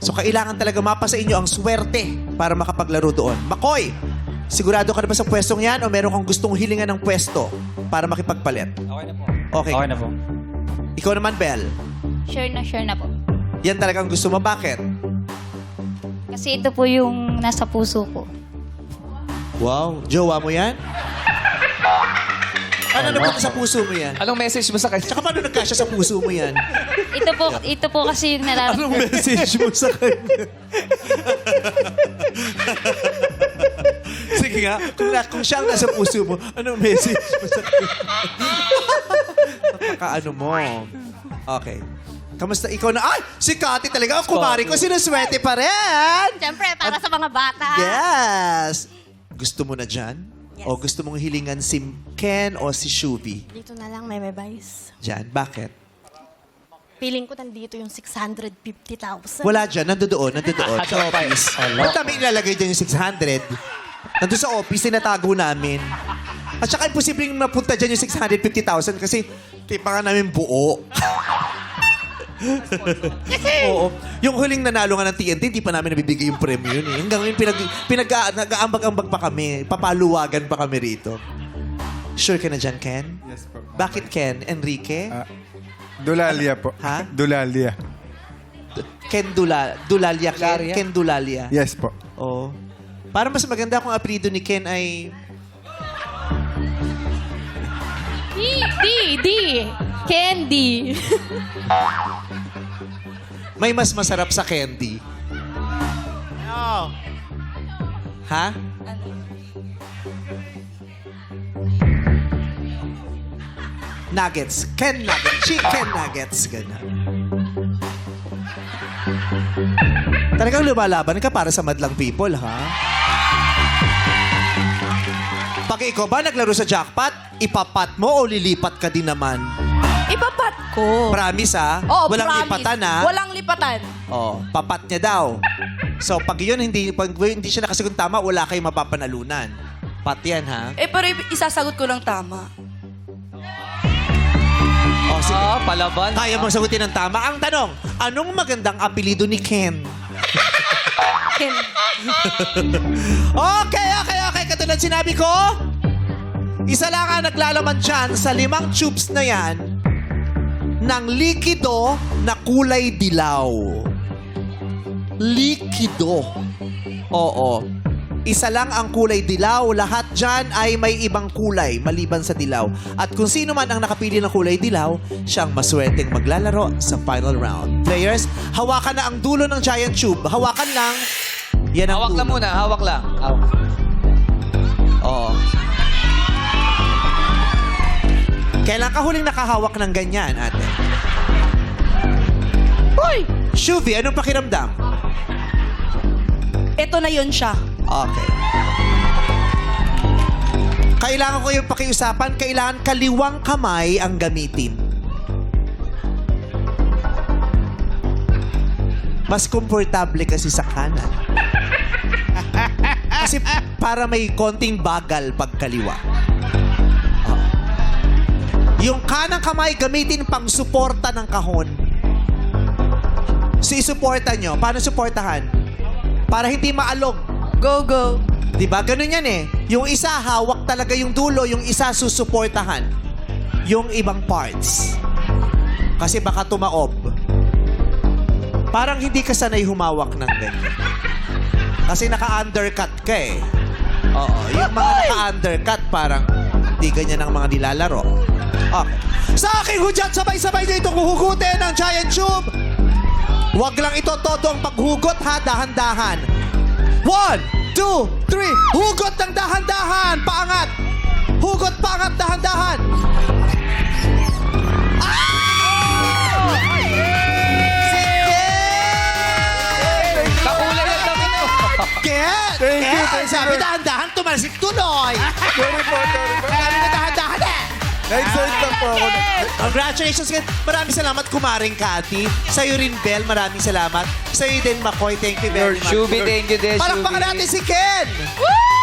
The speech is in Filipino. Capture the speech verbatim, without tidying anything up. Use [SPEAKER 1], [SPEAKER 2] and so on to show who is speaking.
[SPEAKER 1] So, kailangan talaga mapa sa inyo ang swerte para makapaglaro doon. Makoy, sigurado ka na ba sa pwestong yan o meron kang gustong hilingan ng pwesto para makipagpalit?
[SPEAKER 2] Okay na po.
[SPEAKER 1] Okay.
[SPEAKER 2] Okay na po.
[SPEAKER 1] Ikaw naman, Bel.
[SPEAKER 3] Sure na sure na po.
[SPEAKER 1] Yan talagang gusto mo. Bakit?
[SPEAKER 3] Kasi ito po yung nasa puso ko.
[SPEAKER 1] Wow. Jowa mo yan? Ano naman sa puso mo yan?
[SPEAKER 2] Anong message mo sa kanya?
[SPEAKER 1] Tsaka paano nagkasya sa puso mo yan?
[SPEAKER 3] Ito po, ito po kasi yung
[SPEAKER 1] Anong
[SPEAKER 3] nararamdaman.
[SPEAKER 1] message mo sa kanya? Sige nga, kung, na, kung siya ang nasa puso mo, anong message mo sa kanya? Napaka-ano mo. Okay. Kamusta? Ikaw na, ay! Si Kati talaga, ang kumari ko, sinuswerte pa rin!
[SPEAKER 4] Siyempre, para sa mga bata.
[SPEAKER 1] Yes! Gusto mo na dyan?
[SPEAKER 4] Yes.
[SPEAKER 1] O gusto mong hilingan si Ken o si Shubi?
[SPEAKER 4] Dito na lang, Meme Vice.
[SPEAKER 1] Dyan. Bakit?
[SPEAKER 4] Feeling ko nandito yung six hundred fifty thousand.
[SPEAKER 1] Wala dyan. Nandoon. Nandoon. Sa office. Ba't namin ilalagay dyan yung six hundred? Nandun sa office, tinatago namin. At saka imposibleng mapunta dyan yung six hundred fifty thousand kasi tipa nga namin buo. Oo. Yung huling nanalo nga ng T N T, hindi pa namin nabibigay yung premyo yun eh. Hanggang ngayon, pinag, pinag, nag-aambag-ambag pa kami. Papaluwagan pa kami rito. Sure ka na dyan, Ken?
[SPEAKER 5] Yes po.
[SPEAKER 1] Bakit Ken? Enrique?
[SPEAKER 5] Ah, Dulalia po.
[SPEAKER 1] Ha?
[SPEAKER 5] Dulalia.
[SPEAKER 1] Ken Dula, Dulalia Ken?
[SPEAKER 2] Dulalia?
[SPEAKER 1] Ken Dulalia.
[SPEAKER 5] Yes po.
[SPEAKER 1] Oo. Parang mas maganda kung apelido ni Ken ay...
[SPEAKER 4] D, D, D. Candy.
[SPEAKER 1] May mas masarap sa candy. No. Ha? Nuggets. Ken Nuggets. Chicken Nuggets. Ganun. Talagang lumalaban ka para sa madlang people, ha? Pag ikaw ba naglaro sa jackpot, ipapat mo o lilipat ka din naman?
[SPEAKER 6] Ipapat ko.
[SPEAKER 1] Promise, ha?
[SPEAKER 6] Oo,
[SPEAKER 1] Walang
[SPEAKER 6] promise.
[SPEAKER 1] lipatan, ha?
[SPEAKER 6] Walang lipatan.
[SPEAKER 1] Oh, papat niya daw. So, pag yun, hindi, pag hindi siya nakasagot tama, wala kayong mapapanalunan. Pat yan, ha?
[SPEAKER 6] Eh, pero isasagot ko lang tama.
[SPEAKER 1] Oh, sige.
[SPEAKER 2] Ah, palaban.
[SPEAKER 1] Kaya mong sagutin ng tama. Ang tanong, anong magandang apelido ni Ken?
[SPEAKER 6] Ken.
[SPEAKER 1] Okay, okay, okay. Katulad sinabi ko, isa lang ang naglalaman dyan sa limang tubes na yan ng likido na kulay dilaw. Likido. Oo. Isa lang ang kulay dilaw. Lahat dyan ay may ibang kulay maliban sa dilaw. At kung sino man ang nakapili ng kulay dilaw, siyang maswerteng maglalaro sa final round. Players, hawakan na ang dulo ng giant tube. Hawakan lang. Yan ang
[SPEAKER 2] Hawak
[SPEAKER 1] dulo.
[SPEAKER 2] lang muna, hawak lang. Hawak.
[SPEAKER 1] Oo. Kailan ka huling nakahawak ng ganyan, ate?
[SPEAKER 6] Hoy!
[SPEAKER 1] Shuvi, anong pakiramdam?
[SPEAKER 6] Ito na yun siya.
[SPEAKER 1] Okay. Kailangan ko yung pakiusapan, kailangan kaliwang kamay ang gamitin. Mas komportable kasi sa kanan. Kasi para may konting bagal pag kaliwa. Oh. Yung kanang kamay gamitin pang suporta ng kahon. So isuporta nyo. Paano suportahan? Para hindi maalog.
[SPEAKER 6] Go, go.
[SPEAKER 1] Diba? Ganun yan eh. Yung isa, hawak talaga yung dulo. Yung isa, susuportahan. Yung ibang parts. Kasi baka tumaob. Parang hindi ka sanay humawak ng ganyan. Kasi naka-undercut ka eh. Oo. Yung mga naka-undercut, parang hindi ganyan ang mga nilalaro. Okay. Sa aking hudyat, sabay-sabay na itong huhugutin ng giant tube. Huwag lang ito todo ang paghugot ha, dahan-dahan. One, two, three. Hugot ng dahan-dahan. Paangat. Hugot, paangat, dahan-dahan. Ah! Sige!
[SPEAKER 2] Kakulay ang damit mo.
[SPEAKER 1] Ken!
[SPEAKER 5] Thank you,
[SPEAKER 1] Ken!
[SPEAKER 5] thank you.
[SPEAKER 1] Sabi dahan-dahan, tumalsik tuloy.
[SPEAKER 5] Sorry po, sorry po.
[SPEAKER 1] Sabi na dahan-dahan eh.
[SPEAKER 5] Na-excite lang po ako.
[SPEAKER 1] Congratulations, Ken. Maraming salamat, kumaring Cathy. Sa'yo rin, Bel. Maraming salamat. Sa'yo din, Makoy. Thank you very much.
[SPEAKER 2] Shubi, thank you din,
[SPEAKER 1] Palakpakan
[SPEAKER 2] Shubi.
[SPEAKER 1] natin si Ken!
[SPEAKER 6] Woo!